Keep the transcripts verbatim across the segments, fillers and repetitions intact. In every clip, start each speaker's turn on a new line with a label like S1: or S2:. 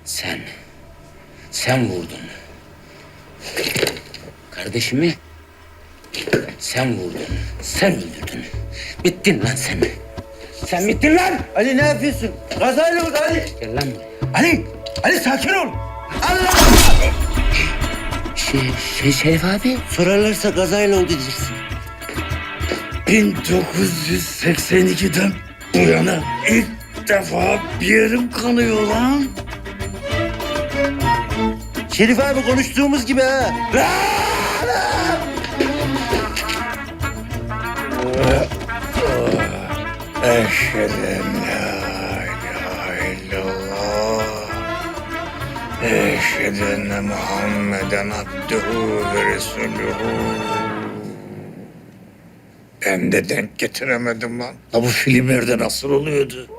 S1: Sen, sen vurdun. Kardeşimi sen vurdun, sen öldürdün. Bittin lan sen. Sen bittin lan!
S2: Ali ne yapıyorsun? Kazayla oldu Ali.
S1: Gel lan buraya.
S2: Ali, Ali sakin ol. Allah!
S1: Şey, şey Şerif abi.
S2: Sorarlarsa kazayla oldu diyeceksin. bin dokuz yüz seksen ikiden bu yana ilk defa bir yerim kanıyor lan. Şerif abi konuştuğumuz gibi ha. Eşhedü en la ilahe illallah. Eşhedü enne Muhammeden abduhu ve resuluhu. Ben de denk getiremedim lan. Ha bu filmlerde nasıl oluyordu?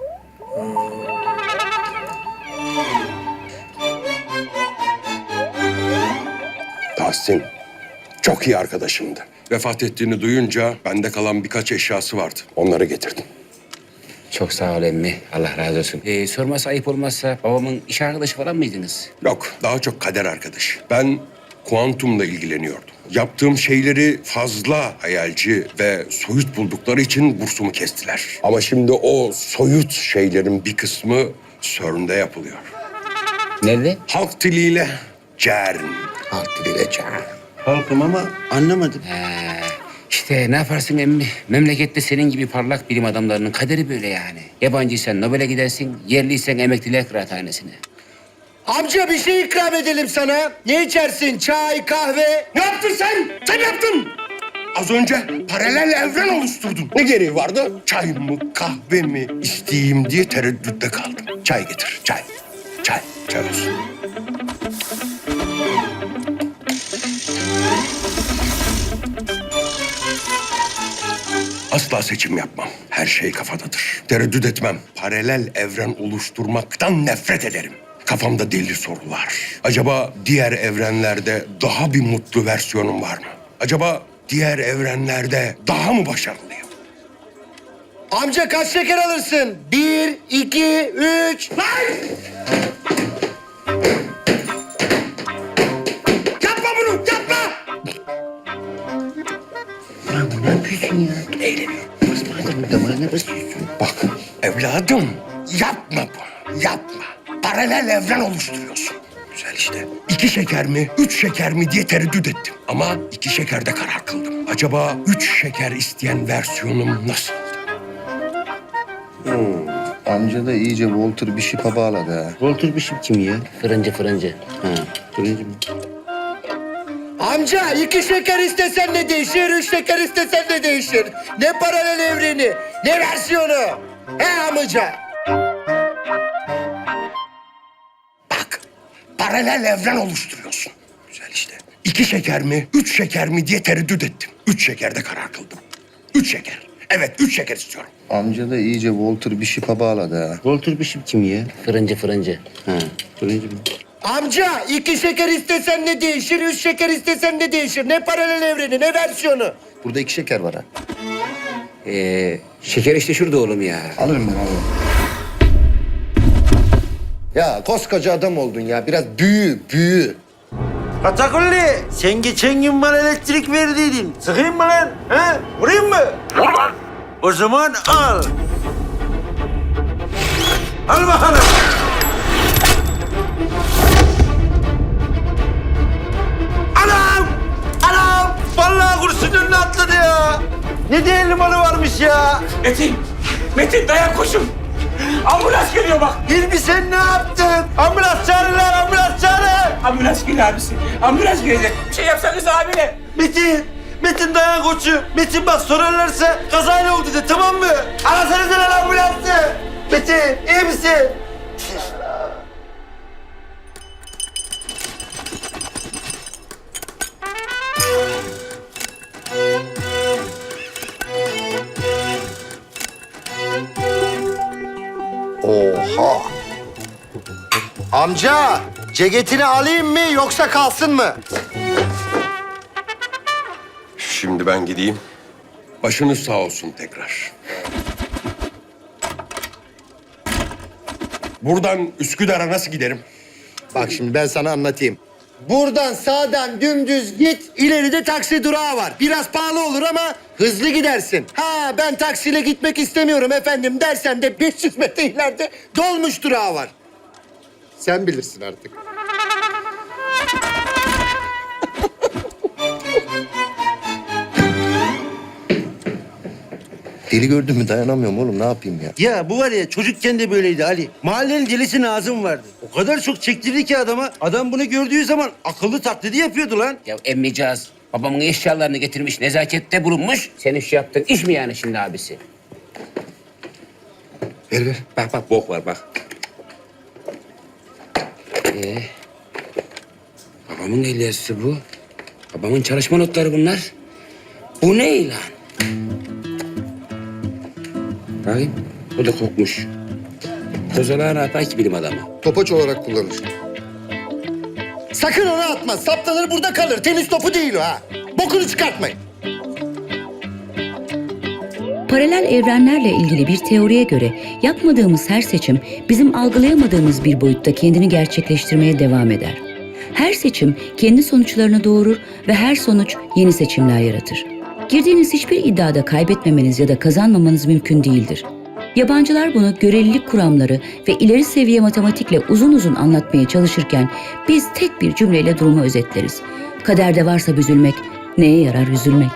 S3: Tahsin çok iyi arkadaşımdı. Vefat ettiğini duyunca bende kalan birkaç eşyası vardı. Onları getirdim.
S1: Çok sağ ol emmi. Allah razı olsun. Ee, sorması ayıp olmazsa babamın iş arkadaşı falan mıydınız?
S3: Yok, daha çok kader arkadaşı. Ben kuantumla ilgileniyordum. Yaptığım şeyleri fazla hayalci ve soyut buldukları için bursumu kestiler. Ama şimdi o soyut şeylerin bir kısmı CERN'de yapılıyor.
S1: Nerede?
S3: Halk diliyle CERN.
S1: Halk diliyle çağır.
S2: Halkım ama anlamadım.
S1: Ee, işte ne yaparsın emmi? Memlekette senin gibi parlak bilim adamlarının kaderi böyle yani. Yabancıysan Nobel'e gidersin, yerliysen emekliler kıraathanesine.
S2: Amca bir şey ikram edelim sana. Ne içersin? Çay, kahve?
S3: Ne yaptın sen? Sen yaptın. Az önce paralel evren oluşturdun. Ne gereği vardı? Çay mı, kahve mi isteyeyim diye tereddütte kaldım. Çay getir, çay. Çay, çay olsun. Asla seçim yapmam. Her şey kafadadır. Tereddüt etmem. Paralel evren oluşturmaktan nefret ederim. Kafamda deli sorular. Acaba diğer evrenlerde daha bir mutlu versiyonum var mı? Acaba diğer evrenlerde daha mı başarılıyım?
S2: Amca kaç şeker alırsın? Bir, iki, üç.
S3: Lan! Yapma bunu, yapma!
S2: Lan bu ne yapıyorsun ya?
S3: Eğleniyorum.
S2: Basma adamın damarına basıyorsun.
S3: Bak evladım, yapma bunu, yapma. Paralel evren oluşturuyorsun. Güzel işte. İki şeker mi, üç şeker mi diye tereddüt ettim. Ama iki şekerde karar kıldım. Acaba üç şeker isteyen versiyonum nasıl?
S4: Amca da iyice Walter Bishop'a bağladı ha.
S2: Walter Bishop kim ya?
S1: Fırıncı fırıncı.
S2: Ha, turuncu mu? Amca iki şeker istesen ne değişir, üç şeker istesen ne değişir? Ne paralel evreni, ne versiyonu? He amca?
S3: Bak, paralel evren oluşturuyorsun. Güzel işte. İki şeker mi, üç şeker mi diye tereddüt ettim. Üç şekerde karar kıldım. Üç şeker. Evet, üç şeker istiyorum.
S4: Amca da iyice Walter Bishop'a bağladı ha.
S2: Walter Bishop kim ya?
S1: Fırıncı fırıncı.
S2: Ha, turuncu mu? Amca iki şeker istesen ne değişir, üç şeker istesen ne değişir? Ne paralel evreni, ne versiyonu?
S4: Burada iki şeker var ha.
S1: Ee, şeker işte şurada oğlum ya.
S4: Alırım ben alırım. Ya koskoca adam oldun ya. Biraz büyü, büyü.
S2: Katakulli, sen geçen gün bana elektrik verdiydin. Sıkayım mı lan? Ha? Vurayım mı? Vur lan. O zaman al. Al bakalım. Anam! Anam! Vallahi kurşun önüne atladı ya. Ne değerli malı varmış ya.
S5: Metin! Metin dayan koşun! Ambulans geliyor bak!
S2: Hilmi sen ne yaptın? Ambulans çağırın lan, ambulans çağırın.
S5: Ambulans geliyor abisi. Ambulans gelecek. Bir şey yapsanız abine.
S2: Metin, Metin dayan koçum. Metin bak sorarlarsa kazayla oldu de tamam mı? Arasanıza lan ambulansı. Metin iyi misin?
S4: Oha! Amca, ceketini alayım mı yoksa kalsın mı?
S3: Şimdi ben gideyim. Başınız sağ olsun tekrar. Buradan Üsküdar'a nasıl giderim?
S4: Bak şimdi ben sana anlatayım. Buradan sağdan dümdüz git. İleride taksi durağı var. Biraz pahalı olur ama hızlı gidersin. Ha ben taksiyle gitmek istemiyorum efendim dersen de beş yüz metre ileride dolmuş durağı var. Sen bilirsin artık. Deli gördün mü dayanamıyorum oğlum ne yapayım ya.
S2: Ya bu var ya çocukken de böyleydi Ali. Mahallenin delisi Nazım vardı. O kadar çok çektirdi ki adama. Adam bunu gördüğü zaman akıllı taklidi yapıyordu lan.
S1: Ya emmicaz babamın eşyalarını getirmiş, nezakette bulunmuş. Senin şu yaptığın iş mi yani şimdi abisi?
S4: Ver ver.
S1: Bak bak bok var bak. Ee, babamın el yazısı bu. Babamın çalışma notları bunlar. Bu ne lan? Bakayım. Bu da kokmuş. Kozalağı ne yapar ki bilim adamı?
S4: Topaç olarak kullanır. Sakın onu atma. Saplanır burada kalır. Tenis topu değil o ha. Bokunu çıkartmayın.
S6: Paralel evrenlerle ilgili bir teoriye göre yapmadığımız her seçim bizim algılayamadığımız bir boyutta kendini gerçekleştirmeye devam eder. Her seçim kendi sonuçlarını doğurur ve her sonuç yeni seçimler yaratır. Girdiğiniz hiçbir iddiada kaybetmemeniz ya da kazanmamanız mümkün değildir. Yabancılar bunu görelilik kuramları ve ileri seviye matematikle uzun uzun anlatmaya çalışırken biz tek bir cümleyle durumu özetleriz. Kaderde varsa büzülmek, neye yarar üzülmek?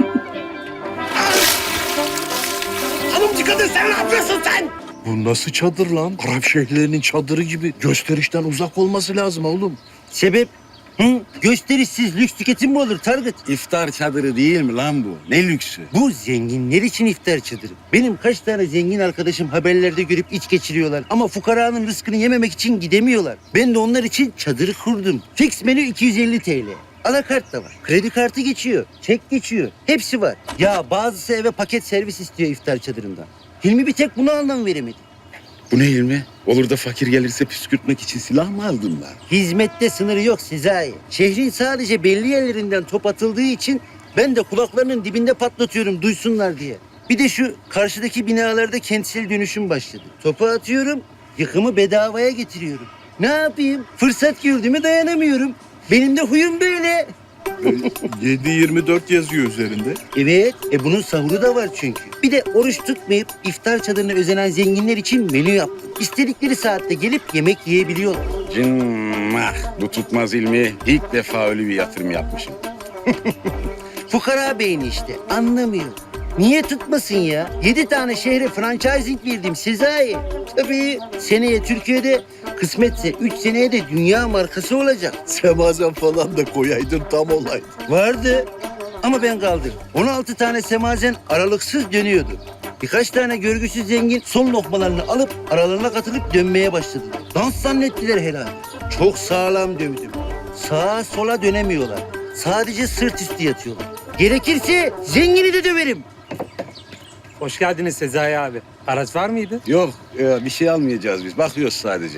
S3: Hanımcı kadın sen ne yapıyorsun sen?
S7: Bu nasıl çadır lan? Arap şeyhlerinin çadırı gibi. Gösterişten uzak olması lazım oğlum.
S2: Sebep? Hı? Gösterişsiz lüks tüketim mi olur Target?
S8: İftar çadırı değil mi lan bu? Ne lüksü?
S2: Bu zenginler için iftar çadırı. Benim kaç tane zengin arkadaşım haberlerde görüp iç geçiriyorlar. Ama fukaranın rızkını yememek için gidemiyorlar. Ben de onlar için çadırı kurdum. Fix menü iki yüz elli TL. Alakart da var. Kredi kartı geçiyor. Çek geçiyor. Hepsi var. Ya bazısı eve paket servis istiyor iftar çadırından. Hilmi bir tek buna anlam veremedi.
S8: Bu ne ilmi? Olur da fakir gelirse püskürtmek için silah mı aldın lan?
S2: Hizmette sınırı yok Sezai. Şehrin sadece belli yerlerinden top atıldığı için ben de kulaklarının dibinde patlatıyorum duysunlar diye. Bir de şu karşıdaki binalarda kentsel dönüşüm başladı. Topu atıyorum, yıkımı bedavaya getiriyorum. Ne yapayım? Fırsat gördüğüme dayanamıyorum. Benim de huyum böyle.
S7: yedi yirmi dört yazıyor üzerinde.
S2: Evet, e bunun sahuru da var çünkü. Bir de oruç tutmayıp iftar çadırına özenen zenginler için menü yaptım. İstedikleri saatte gelip yemek yiyebiliyorlar.
S8: Cimmah. Bu tutmaz ilmi. İlk defa öyle bir yatırım yapmışım.
S2: Fukara beyni işte, anlamıyor. Niye tutmasın ya? Yedi tane şehre franchising verdim Sezai. Tabii seneye Türkiye'de, kısmetse üç seneye de dünya markası olacak.
S7: Semazen falan da koyaydın tam olay.
S2: Vardı ama ben kaldım. on altı tane semazen aralıksız dönüyordu. Birkaç tane görgüsüz zengin son lokmalarını alıp aralarına katılıp dönmeye başladılar. Dans zannettiler herhalde. Çok sağlam dövdüm. Sağa sola dönemiyorlar. Sadece sırt üstü yatıyorlar. Gerekirse zengini de döverim.
S5: Hoş geldiniz Sezai abi. Araç var mıydı?
S8: Yok, e, bir şey almayacağız biz. Bakıyoruz sadece.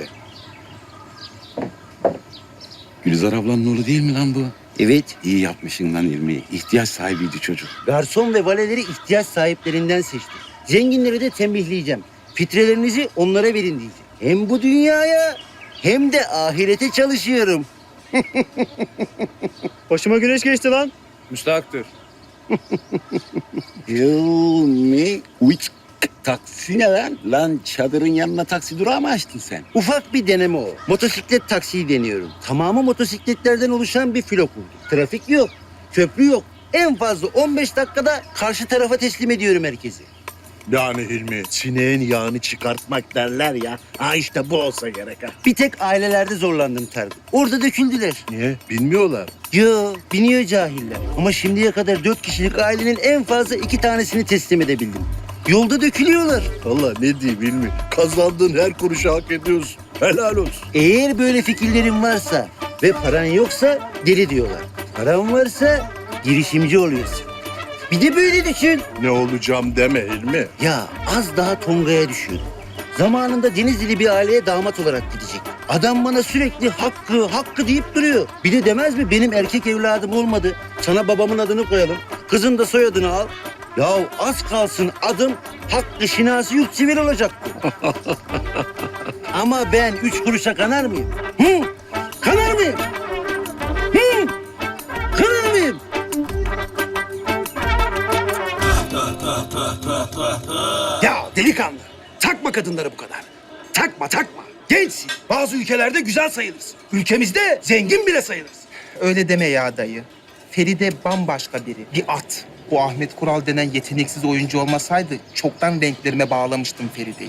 S8: Gülizar ablanın oğlu değil mi lan bu?
S2: Evet,
S8: İyi yapmışsın lan ilmi. İhtiyaç sahibiydi çocuk.
S2: garson ve valeleri ihtiyaç sahiplerinden seçtim. Zenginleri de tembihleyeceğim. Fitrelerinizi onlara verin diyeceğim. Hem bu dünyaya hem de ahirete çalışıyorum.
S5: Başıma güneş geçti lan.
S8: Müstahaktır. Yılmi uç taksi ne lan? Lan çadırın yanına taksi durağı mı açtın sen?
S2: Ufak bir deneme o. Motosiklet taksiyi deniyorum. Tamamı motosikletlerden oluşan bir filo kurdum. Trafik yok, köprü yok. En fazla on beş dakikada karşı tarafa teslim ediyorum herkesi.
S7: Yani Hilmi, sineğin yağını çıkartmak derler ya. Ha işte bu olsa gerek ha.
S2: Bir tek ailelerde zorlandım Tarık. Orada döküldüler.
S7: Niye? Bilmiyorlar.
S2: Yo, biniyor cahiller. Ama şimdiye kadar dört kişilik ailenin en fazla iki tanesini teslim edebildim. Yolda dökülüyorlar.
S7: Vallahi ne diyeyim Hilmi, kazandığın her kuruşu hak ediyorsun. Helal olsun.
S2: Eğer böyle fikirlerin varsa ve paran yoksa deli diyorlar. Paran varsa girişimci oluyorsun. Bir de böyle düşün.
S7: Ne olacağım deme Hilmi.
S2: Ya az daha Tonga'ya düşüyordum. Zamanında Denizli'li bir aileye damat olarak gidecek. Adam bana sürekli hakkı, hakkı deyip duruyor. Bir de demez mi benim erkek evladım olmadı. Sana babamın adını koyalım. Kızın da soyadını al. Ya az kalsın adım Hakkı Şinasi Yurtsivil olacaktı. Ama ben üç kuruşa kanar mıyım? Hı? Kırar mıyım? Hı? Kırar mıyım?
S9: Ya delikanlı, takma kadınları bu kadar. Takma, takma. Gençsin. Bazı ülkelerde güzel sayılırsın. Ülkemizde zengin bile sayılırsın.
S10: Öyle deme ya dayı. Feride bambaşka biri. Bir at. Bu Ahmet Kural denen yeteneksiz oyuncu olmasaydı çoktan renklerime bağlamıştım Feride'yi.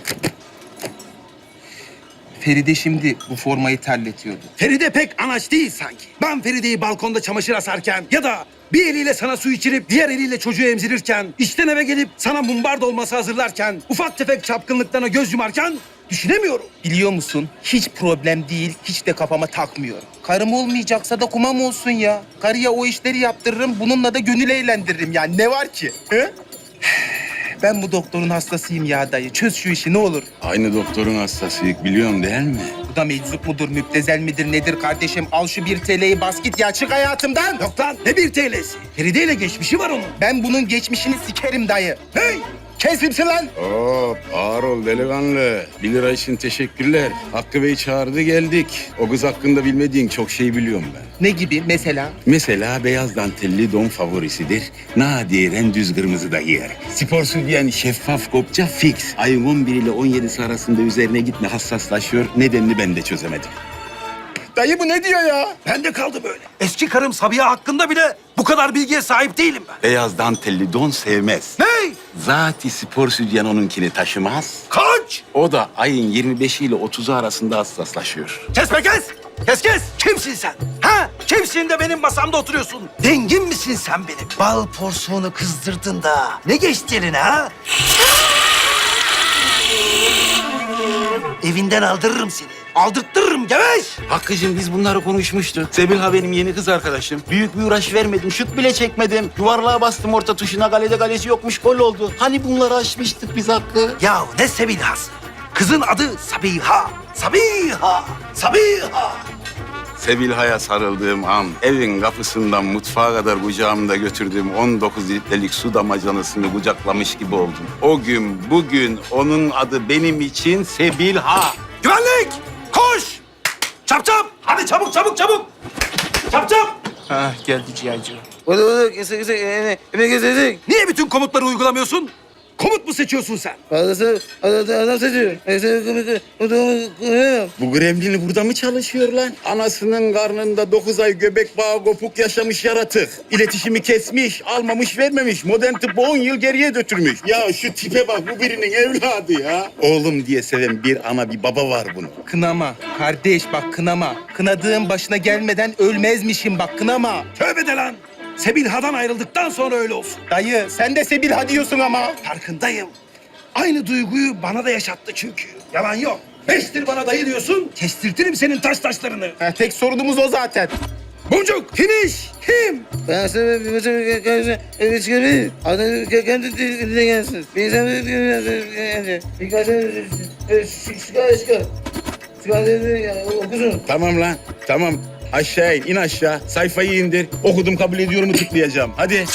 S10: Feride şimdi bu formayı terletiyordu.
S9: Feride pek anaç değil sanki. Ben Feride'yi balkonda çamaşır asarken ya da bir eliyle sana su içirip diğer eliyle çocuğu emzirirken, işten eve gelip sana mumbar dolması hazırlarken, ufak tefek çapkınlıklarına göz yumarken düşünemiyorum.
S10: Biliyor musun? Hiç problem değil, hiç de kafama takmıyorum. Karım olmayacaksa da kumam olsun ya. Karıya o işleri yaptırırım, bununla da gönül eğlendiririm yani. Ne var ki? He? Ben bu doktorun hastasıyım ya dayı. Çöz şu işi ne olur.
S8: Aynı doktorun hastasıyık biliyorum değil mi?
S10: Bu da meczup mudur, müptezel midir, nedir kardeşim? Al şu bir T L'yi bas git ya, çık hayatımdan.
S9: Yok lan ne bir T L'si. Feride ile geçmişi var onun.
S10: Ben bunun geçmişini sikerim dayı.
S9: Hey!
S10: Kesimsin lan.
S8: Hop ağır ol delikanlı. Bir lira için teşekkürler. Hakkı Bey çağırdı geldik. O kız hakkında bilmediğin çok şey biliyorum ben.
S10: Ne gibi mesela?
S8: Mesela beyaz dantelli don favorisidir. Nadiren düz kırmızı da giyer. Spor sütyen şeffaf kopça fix. Ayın on bir ile on yedisi arasında üzerine gitme hassaslaşıyor. Nedenini ben de çözemedim.
S10: Dayı bu ne diyor ya?
S9: Ben de kaldı böyle. Eski karım Sabiha hakkında bile bu kadar bilgiye sahip değilim ben.
S8: Beyaz dantelli don sevmez.
S9: Hey!
S8: Zati spor sütyen onunkini taşımaz.
S9: Kaç!
S8: O da ayın yirmi beşi ile otuzu arasında hassaslaşıyor.
S9: Kes be kes! Kes kes! Kimsin sen? Ha? Kimsin de benim masamda oturuyorsun? Dengin misin sen benim? Bal porsuğunu kızdırdın da. Ne geçti eline ha? Evinden aldırırım seni. Aldırttırırım geveş!
S8: Hakkı'cığım biz bunları konuşmuştuk. Sebilha benim yeni kız arkadaşım. Büyük bir uğraş vermedim, şut bile çekmedim. Yuvarlığa bastım orta tuşuna, kalede kalesi yokmuş, gol oldu. Hani bunları aşmıştık biz Hakkı?
S9: Ya ne Sebiha'sı? Kızın adı Sabiha. Sabiha! Sabiha!
S8: Sebilha'ya sarıldığım an, evin kapısından mutfağa kadar kucağımda götürdüğüm on dokuz litrelik su damacanasını kucaklamış gibi oldum. O gün, bugün onun adı benim için Sebilha.
S9: Güvenlik! Koş! Çap çap! Hadi çabuk çabuk çabuk! Çap çap!
S10: Ha geldi ciğerci.
S9: Niye bütün komutları uygulamıyorsun? Komut mu seçiyorsun sen?
S8: Bu gremlini burada mı çalışıyor lan? Anasının karnında dokuz ay göbek bağı kopuk yaşamış yaratık. İletişimi kesmiş, almamış vermemiş. Modern tıbbı on yıl geriye götürmüş. Ya şu tipe bak, bu birinin evladı ya. Oğlum diye seven bir ana bir baba var bunun.
S10: Kınama. Kardeş bak kınama. Kınadığın başına gelmeden ölmezmişim bak kınama.
S9: Tövbe de lan! Sebilha'dan ayrıldıktan sonra öyle olsun.
S10: Dayı sen de Sebilha diyorsun ama.
S9: Farkındayım. Aynı duyguyu bana da yaşattı çünkü. Yalan yok. Beştir bana dayı diyorsun, kestirtirim senin taş taşlarını.
S10: Ha, tek sorunumuz o zaten.
S9: Boncuk, finish, kim?
S11: Ben sana bir maça eve çıkarayım. Adam kendi diline gelsin. Bir insan bir gelsin. Birkaç çıkar çıkar. Çıkar okusun.
S8: Tamam lan, tamam. Aşağı in, in aşağı. Sayfayı indir. Okudum kabul ediyorumu tıklayacağım. Hadi.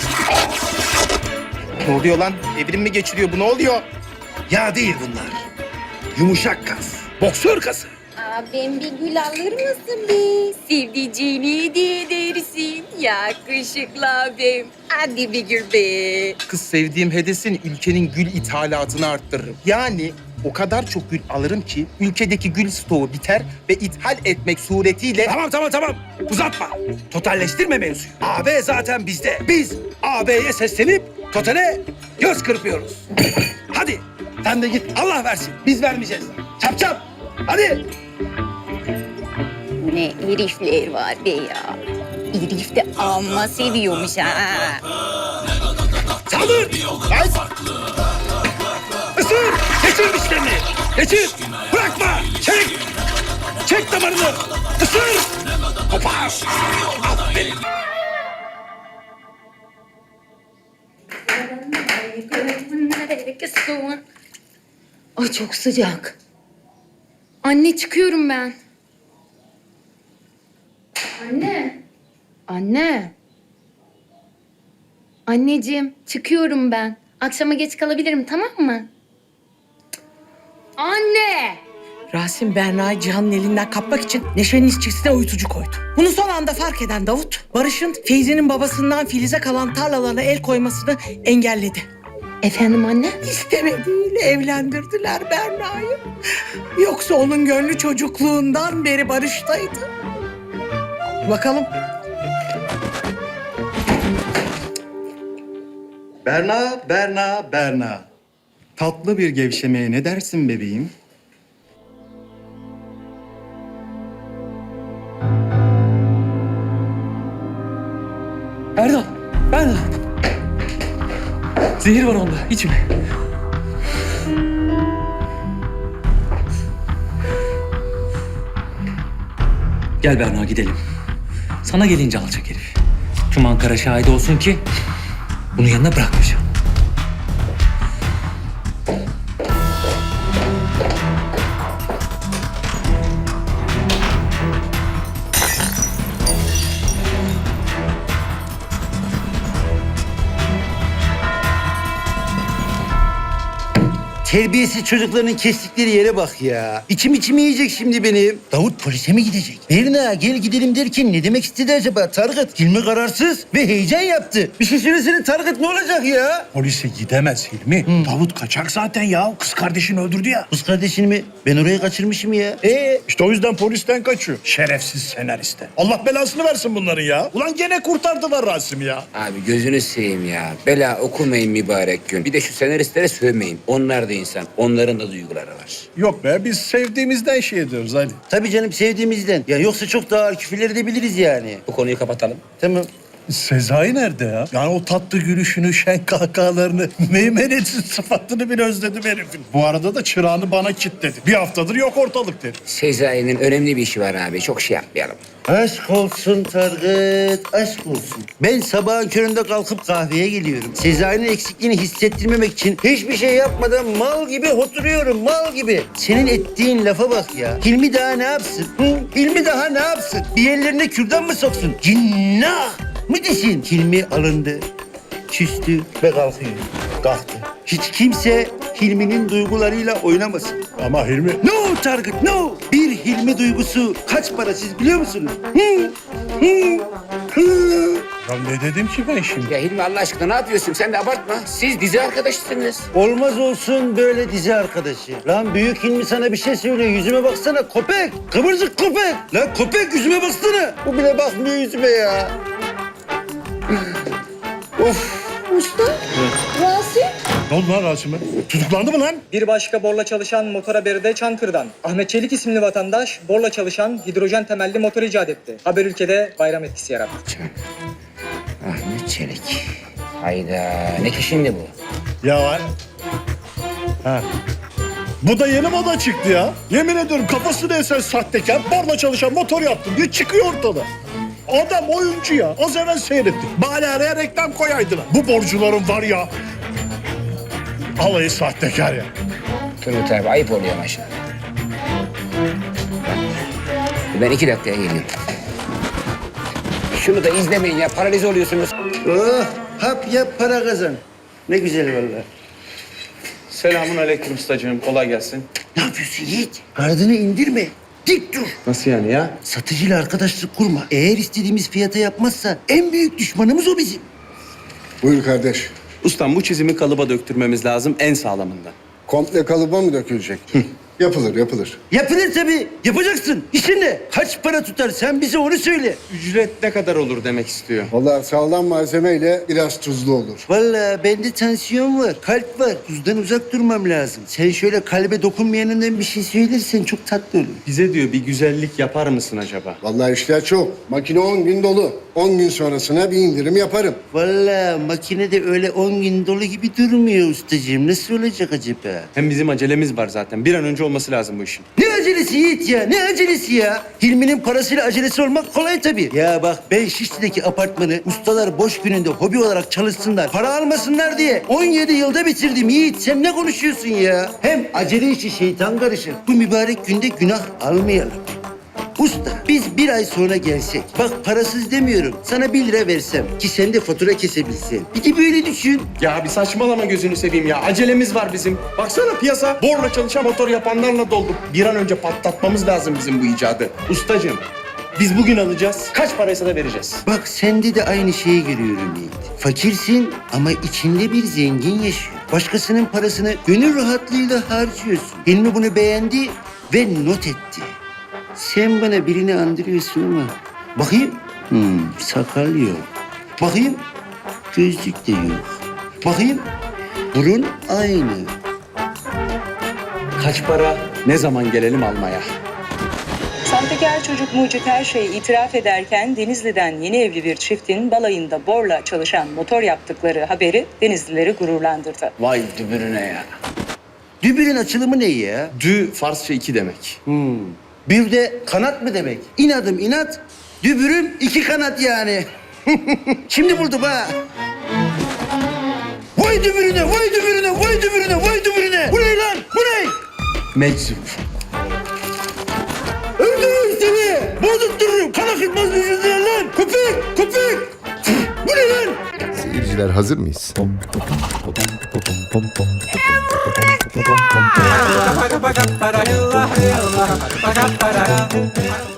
S10: Ne oluyor lan? Evrim mi geçiriyor bu ne oluyor?
S9: Ya değil bunlar. Yumuşak kas, boksör kası.
S12: Abim bir gül alır mısın be? Sevdiceğini hediye edersin. Yakışıklı abim. Hadi bir gül be.
S10: Kız sevdiğim hedesin ülkenin gül ithalatını arttırırım. Yani o kadar çok gül alırım ki ülkedeki gül stoğu biter ve ithal etmek suretiyle...
S9: Tamam tamam tamam. Uzatma. Totalleştirme mevzuyu. A B zaten bizde. Biz A B'ye seslenip totale göz kırpıyoruz. Hadi sen de git Allah versin. Biz vermeyeceğiz. Çap çap. Hadi.
S12: Ne herifler var be ya. Herif de amma seviyormuş ha.
S9: Saldır. Haydi. Isır. Geçir dişlerini. Geçir. Bırakma. Çek. Çek damarını. Isır. Kopar. Aferin.
S12: Ay çok sıcak. Anne çıkıyorum ben. Anne. Anne. Anneciğim çıkıyorum ben. Akşama geç kalabilirim tamam mı? Anne.
S13: Rasim Berna'yı Cihan'ın elinden kapmak için Neşe'nin içkisine uyutucu koydu. Bunu son anda fark eden Davut, Barış'ın Feyzi'nin babasından Filiz'e kalan tarlalarına el koymasını engelledi.
S12: Efendim anne?
S13: İstemediğiyle evlendirdiler Berna'yı. Yoksa onun gönlü çocukluğundan beri Barış'taydı. Bakalım.
S8: Berna, Berna, Berna. Tatlı bir gevşemeye ne dersin bebeğim?
S5: Erdal, Erdal. Zehir var onda, içme. Gel Berna gidelim. Sana gelince alacak herif. Tüm Ankara şahit olsun ki bunu yanına bırakmayacağım.
S2: Terbiyesiz çocukların kestikleri yere bak ya. İçim içimi yiyecek şimdi benim. Davut polise mi gidecek? Berna gel gidelim derken ne demek istedi acaba Tarık? Hilmi kararsız ve heyecan yaptı. Bir şey söylesene Tarık, ne olacak ya?
S7: Polise gidemez Hilmi. Davut kaçak zaten ya. Kız kardeşini öldürdü ya.
S2: Kız kardeşini mi? Ben oraya kaçırmışım ya. Ee?
S7: İşte o yüzden polisten kaçıyor. Şerefsiz senariste. Allah belasını versin bunların ya. Ulan gene kurtardılar Rasim'i ya.
S1: Abi gözünü seveyim ya. Bela okumayın mübarek gün. Bir de şu senaristlere sövmeyin. Onlar da insan. Onların da duyguları var.
S7: Yok be, biz sevdiğimizden şey ediyoruz Ali.
S2: Tabii canım, sevdiğimizden. Ya yoksa çok daha ağır küfürler edebiliriz yani.
S1: Bu konuyu kapatalım.
S2: Tamam.
S7: Sezai nerede ya? Yani o tatlı gülüşünü, şen kahkahalarını, meymenetsiz sıfatını bile özledim herifin. Bu arada da çırağını bana kilitledi. Bir haftadır yok ortalık dedi.
S1: Sezai'nin önemli bir işi var abi. Çok şey yapmayalım.
S2: Aşk olsun Tarık, aşk olsun. Ben sabahın köründe kalkıp kahveye geliyorum. Sezai'nin eksikliğini hissettirmemek için hiçbir şey yapmadan mal gibi oturuyorum, mal gibi. Senin ettiğin lafa bak ya. Hilmi daha ne yapsın? Hı? Hilmi daha ne yapsın? Bir yerlerine kürdan mı soksun? Cinnah mı desin? Hilmi alındı, küstü ve kalkıyor. Kalktı. Hiç kimse Hilmi'nin duygularıyla oynamasın.
S7: Ama Hilmi...
S2: No Target, no! Bir Hilmi duygusu kaç para siz biliyor musunuz? Hı, hı, hı.
S7: Ya ne dedim ki ben şimdi?
S1: Ya Hilmi Allah aşkına ne yapıyorsun? Sen de abartma. Siz dizi arkadaşısınız.
S2: Olmaz olsun böyle dizi arkadaşı. Lan büyük Hilmi sana bir şey söylüyor. Yüzüme baksana köpek. Kıvırcık köpek. Lan köpek yüzüme baksana. Bu bile bakmıyor yüzüme ya. Of.
S12: Usta. Rasim.
S7: Ne oldu lan Rasim'e? Tutuklandı mı lan?
S5: Bir başka borla çalışan motor haberi de Çankırı'dan. Ahmet Çelik isimli vatandaş borla çalışan hidrojen temelli motor icat etti. Haber ülkede bayram etkisi yarattı.
S1: Ahmet Çelik. Hayda. Ne ki şimdi bu?
S7: Ya var. Ha. Bu da yeni moda çıktı ya. Yemin ediyorum kafasını esen sahtekar, borla çalışan motor yaptım diye çıkıyor ortada. Adam oyuncu ya. Az evvel seyrettik. Bari araya reklam koyaydılar. Bu borcuların var ya. Alayı sahtekar ya.
S1: Turgut abi ayıp oluyor maşallah. Ben iki dakikaya geliyorum. Şunu da izlemeyin ya. Paralize oluyorsunuz.
S2: Oh, hap yap para kazan. Ne güzel vallahi.
S5: Selamun aleyküm ustacığım. Kolay gelsin.
S2: Ne yapıyorsun Yiğit? Gardını indirme. Dik dur.
S5: Nasıl yani ya?
S2: Satıcıyla arkadaşlık kurma. Eğer istediğimiz fiyata yapmazsa en büyük düşmanımız o bizim.
S3: Buyur kardeş.
S5: Ustam bu çizimi kalıba döktürmemiz lazım en sağlamından.
S3: Komple kalıba mı dökülecek? Yapılır, yapılır.
S2: Yapılır tabii. Yapacaksın. İşin ne? Kaç para tutar? Sen bize onu söyle.
S5: Ücret ne kadar olur demek istiyor.
S3: Vallahi sağlam malzemeyle biraz tuzlu olur.
S2: Vallahi bende tansiyon var, kalp var. Tuzdan uzak durmam lazım. Sen şöyle kalbe dokunmayanından bir şey söylersen çok tatlı olur.
S5: Bize diyor bir güzellik yapar mısın acaba?
S3: Vallahi işler çok. Makine on gün dolu. On gün sonrasına bir indirim yaparım.
S2: Vallahi makinede öyle on gün dolu gibi durmuyor ustacığım. Nasıl olacak acaba?
S5: Hem bizim acelemiz var zaten. Bir an önce olması lazım bu işin.
S2: Ne acelesi Yiğit ya? Ne acelesi ya? Hilmi'nin parasıyla acelesi olmak kolay tabii. Ya bak ben Şişli'deki apartmanı ustalar boş gününde hobi olarak çalışsınlar, para almasınlar diye on yedi yılda bitirdim Yiğit. Sen ne konuşuyorsun ya? Hem acele işi şeytan karışır. Bu mübarek günde günah almayalım. Usta biz bir ay sonra gelsek. Bak parasız demiyorum. Sana bir lira versem ki sen de fatura kesebilsen. Bir de böyle düşün.
S8: Ya bir saçmalama gözünü seveyim ya. Acelemiz var bizim. Baksana piyasa borla çalışan motor yapanlarla doldu. Bir an önce patlatmamız lazım bizim bu icadı. Ustacığım biz bugün alacağız. Kaç paraysa da vereceğiz.
S2: Bak sende de aynı şeyi görüyorum Yiğit. Fakirsin ama içinde bir zengin yaşıyor. Başkasının parasını gönül rahatlığıyla harcıyorsun. Hilmi bunu beğendi ve not etti. Sen bana birini andırıyorsun ama... Bakayım. Hmm, sakal yok. Bakayım. Gözlük de yok. Bakayım. Burun aynı.
S8: Kaç para? Ne zaman gelelim almaya?
S14: Sahtekar çocuk Mucit her şeyi itiraf ederken Denizli'den yeni evli bir çiftin balayında borla çalışan motor yaptıkları haberi Denizlileri gururlandırdı.
S8: Vay dübürüne ya.
S2: Dübürün açılımı ne ya?
S8: Dü Farsça iki demek.
S2: Hmm. Bir de kanat mı demek? İnadım inat, dübürüm iki kanat yani. Şimdi buldum ha. Vay dübürüne, vay dübürüne, vay dübürüne, vay dübürüne. Bu ne lan? Bu ne?
S8: Meczup.
S2: Öldürürüm seni. Bozuttururum. Kan akıtmaz yüzünden lan. Köpek, köpek. Bu ne lan?
S15: Seyirciler hazır mıyız?
S11: Para